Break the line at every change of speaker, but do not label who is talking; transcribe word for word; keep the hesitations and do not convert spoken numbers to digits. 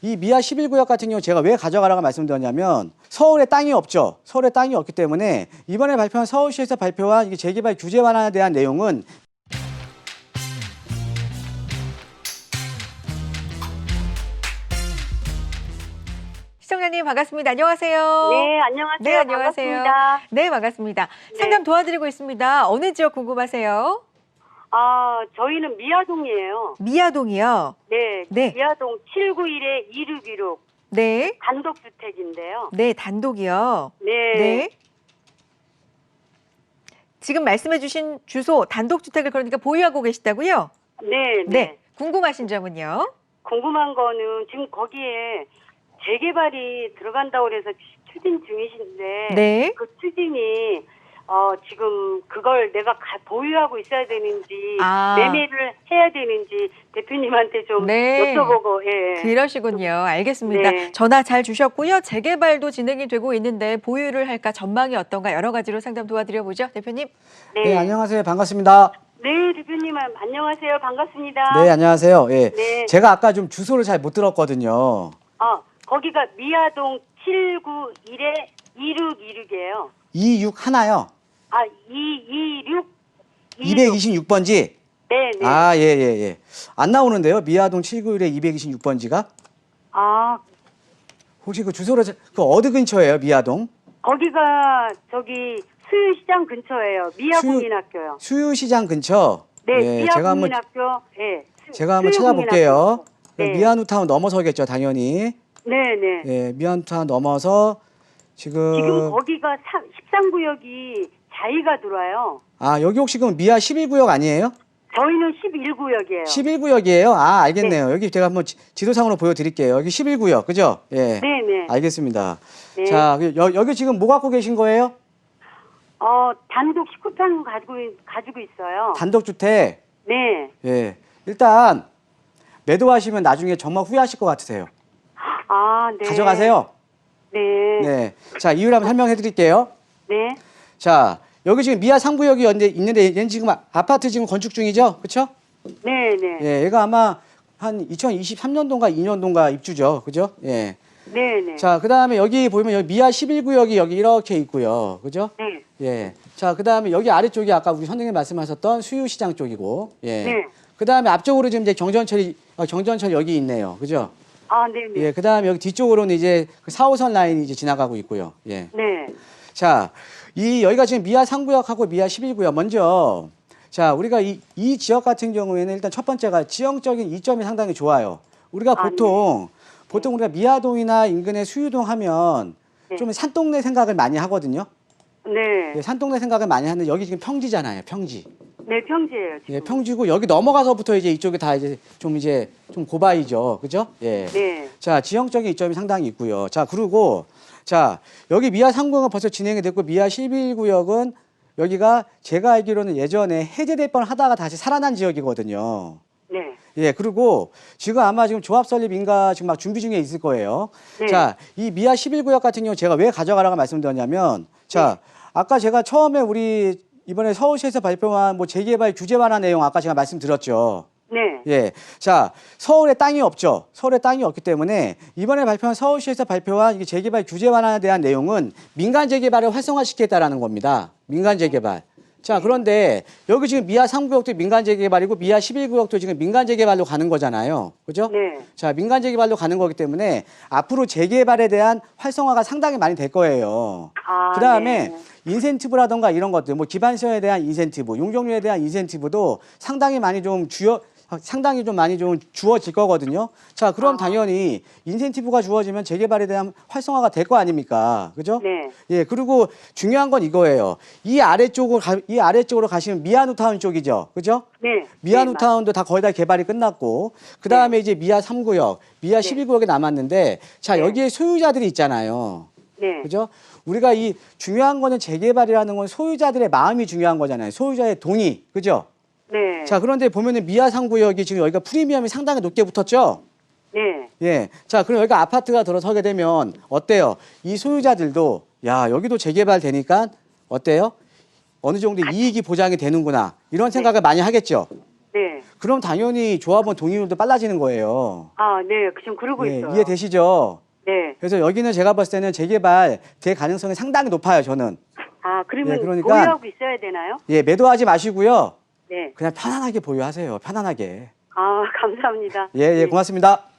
이 미아 십일 구역 같은 경우 제가 왜 가져가라고 말씀드렸냐면 서울에 땅이 없죠. 서울에 땅이 없기 때문에 이번에 발표한 서울시에서 발표한 이 재개발 규제 완화에 대한 내용은
시청자님 반갑습니다. 안녕하세요.
네, 안녕하세요.
네, 안녕하세요.
반갑습니다.
네, 반갑습니다. 상담 도와드리고 있습니다. 어느 지역 궁금하세요?
아, 저희는 미아동이에요.
미아동이요.
네,
네.
미아동 칠구일에 이육일육
네.
단독주택인데요.
네, 단독이요.
네.
네. 지금 말씀해 주신 주소 단독주택을 그러니까 보유하고 계시다고요?
네, 네.
네. 궁금하신 점은요?
궁금한 거는 지금 거기에 재개발이 들어간다고 그래서 추진 중이신데
네.
그 추진이 어, 지금 그걸 내가 가- 보유하고 있어야 되는지
아.
매매를 해야 되는지 대표님한테 좀
네.
여쭤보고 예.
그러시군요. 알겠습니다.
네.
전화 잘 주셨고요. 재개발도 진행이 되고 있는데 보유를 할까 전망이 어떤가 여러 가지로 상담 도와드려보죠. 대표님.
네.
네, 안녕하세요. 반갑습니다.
네, 대표님 안녕하세요. 반갑습니다.
네, 안녕하세요. 예.
네.
제가 아까 좀 주소를 잘 못 들었거든요.
아, 거기가 미아동 칠구일에 이육이육이에요.
이육 하나요?
아, 이이육
이백이십육 번지?
네, 네.
아, 예, 예, 예. 안 나오는데요. 미아동 칠구일에 이백이십육 번지가?
아,
혹시 그 주소를 자- 그 어디 근처예요, 미아동?
거기가 저기 수유시장 근처예요. 미아국민학교요.
수유시장 근처?
네,
예, 제가 한번
미아국민학교. 예. 수-
제가 한번
수유국민학교.
찾아볼게요.
네.
미아누타운 넘어서겠죠, 당연히.
네, 네.
예, 미아누타운 넘어서 지금
지금 거기가 십삼 구역이 자이가 들어와요.
아, 여기 혹시 그럼 미아 십일 구역 아니에요?
저희는 십일 구역이에요.
십일 구역이에요? 아, 알겠네요. 여기 제가 한번 지- 지도상으로 보여드릴게요. 여기 십일 구역, 그죠? 예.
네, 네.
알겠습니다.
네.
자, 그 여, 여기 지금 뭐 갖고 계신 거예요?
어, 단독 십구 평 가지고 있- 가지고 있어요.
단독주택.
네.
예. 일단 매도하시면 나중에 정말 후회하실 것 같으세요.
아, 네.
가져가세요.
네.
네. 자, 이유를 한번 설명해 드릴게요.
네.
자, 여기 지금 미아 삼 구역이 있는데 얘는 지금 아- 아파트 지금 건축 중이죠? 그렇죠?
네, 네.
예, 얘가 아마 한 이천이십삼 년도인가 이 년도인가 입주죠. 그죠? 예.
네, 네.
자, 그다음에 여기 보면 여기 미아 십일 구역이 여기 이렇게 있고요. 그죠?
네.
예. 자, 그다음에 여기 아래쪽이 아까 우리 선생님 말씀하셨던 수유시장 쪽이고. 예.
네.
그다음에 앞쪽으로 지금 이제 경전철이 어, 경전철 여기 있네요. 그죠?
아, 네, 네.
예. 그다음에 여기 뒤쪽으로는 이제 그 사 호선 라인이 이제 지나가고 있고요. 예.
네.
자, 이 여기가 지금 미아 삼 구역하고 미아 십일 구역 먼저 자, 우리가 이, 이 지역 같은 경우에는 일단 첫 번째가 지형적인 이점이 상당히 좋아요. 우리가
아,
보통 보통 우리가 미아동이나 인근의 수유동 하면
네.
좀 산동네 생각을 많이 하거든요.
네.
예, 산동네 생각을 많이 하는데 여기 지금 평지잖아요. 평지.
네, 평지예요, 지금.
예, 평지고 여기 넘어가서부터 이제 이쪽이 다 이제 좀 이제 좀 고바이죠. 그죠? 예.
네.
자, 지형적인 이점이 상당히 있고요. 자, 그리고 자, 여기 미아 삼 구역은 벌써 진행이 됐고 미아 십일 구역은 여기가 제가 알기로는 예전에 해제될 뻔 하다가 다시 살아난 지역이거든요.
네.
예, 그리고 지금 아마 지금 조합 설립 인가 지금 막 준비 중에 있을 거예요.
네.
자, 이 미아 십일 구역 같은 경우 제가 왜 가져가라고 말씀드렸냐면 자, 아까 제가 처음에 우리 이번에 서울시에서 발표한 뭐 재개발 규제 완화 내용 아까 제가 말씀드렸죠.
네.
예. 자, 서울에 땅이 없죠. 서울에 땅이 없기 때문에 이번에 발표한 서울시에서 발표한 이 재개발 규제 완화에 대한 내용은 민간 재개발을 활성화시키겠다라는 겁니다. 민간 재개발. 자, 그런데 여기 지금 미아 삼 구역도 민간 재개발이고 미아 십일 구역도 지금 민간 재개발로 가는 거잖아요. 그죠?
네.
자, 민간 재개발로 가는 거기 때문에 앞으로 재개발에 대한 활성화가 상당히 많이 될 거예요.
아,
그다음에
네.
인센티브라던가 이런 것들, 뭐 기반시설에 대한 인센티브, 용적률에 대한 인센티브도 상당히 많이 좀 주어 상당히 좀 많이 좀 주어질 거거든요. 자, 그럼
아.
당연히 인센티브가 주어지면 재개발에 대한 활성화가 될 거 아닙니까? 그죠?
네.
예, 그리고 중요한 건 이거예요. 이 아래쪽으로 가, 이 아래쪽으로 가시면 미아누타운 쪽이죠. 그죠?
네.
미아누타운도 다 거의 다 개발이 끝났고 그다음에 이제 미아 삼 구역, 미아 십일 구역이 남았는데 자,
네.
여기에 소유자들이 있잖아요.
네.
그죠? 우리가 이 중요한 거는 재개발이라는 건 소유자들의 마음이 중요한 거잖아요. 소유자의 동의. 그죠?
네.
자, 그런데 보면은 미아 삼 구역이 지금 여기가 프리미엄이 상당히 높게 붙었죠?
네.
예. 자, 그럼 여기가 아파트가 들어서게 되면 어때요? 이 소유자들도 야, 여기도 재개발 되니까 어때요? 어느 정도 이익이 보장이 되는구나. 이런 생각을 많이 하겠죠?
네.
그럼 당연히 조합원 동의율도 빨라지는 거예요.
아, 네. 지금 그러고
예,
있어요.
이해되시죠?
네.
그래서 여기는 제가 봤을 때는 재개발 될 가능성이 상당히 높아요, 저는.
아, 그러면
예, 그러니까-
보유하고 있어야 되나요?
예, 매도하지 마시고요.
네.
그냥 편안하게 보유하세요. 편안하게.
아, 감사합니다.
예, 예,
네.
고맙습니다.